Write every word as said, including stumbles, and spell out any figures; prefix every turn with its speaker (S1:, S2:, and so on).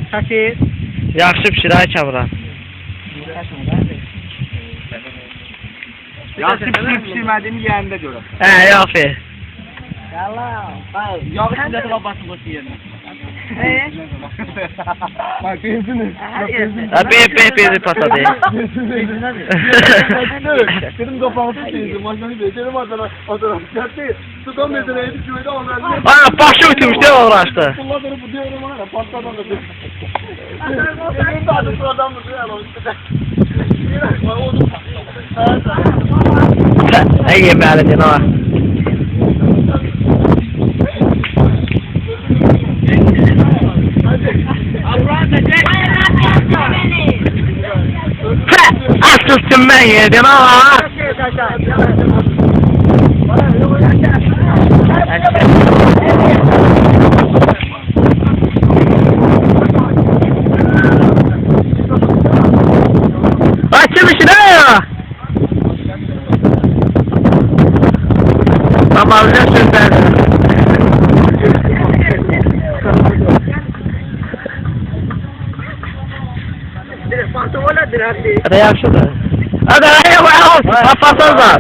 S1: Səkiz.
S2: Yaxşı pişirək Kamran.
S1: Yaxşı pişirib pişirmədiyini yeyəndə görə.
S2: Hə, yaxşı.
S1: Yalan. Yağı içində də basın qoşu yerinə. Bak benzini.
S2: Ha, be be be patladı.
S1: Dedim kapağı tutayım. Maşını becerem adına. Adına. Gerçi tutam medene edip şöyle onlarla.
S2: Aa, başı ütümüş de uğraştı.
S1: Bunları bu diyorum var ya patladan da. Benim de adı sıradan mı diyor ama işte.
S2: Ay yeməli deyən ha. Asılsın mən yedim ha. Açılmışsın ha. Ama ne sözler? Hadi yaxşıdır. Hadi, hadi, hadi, hadi, hadi,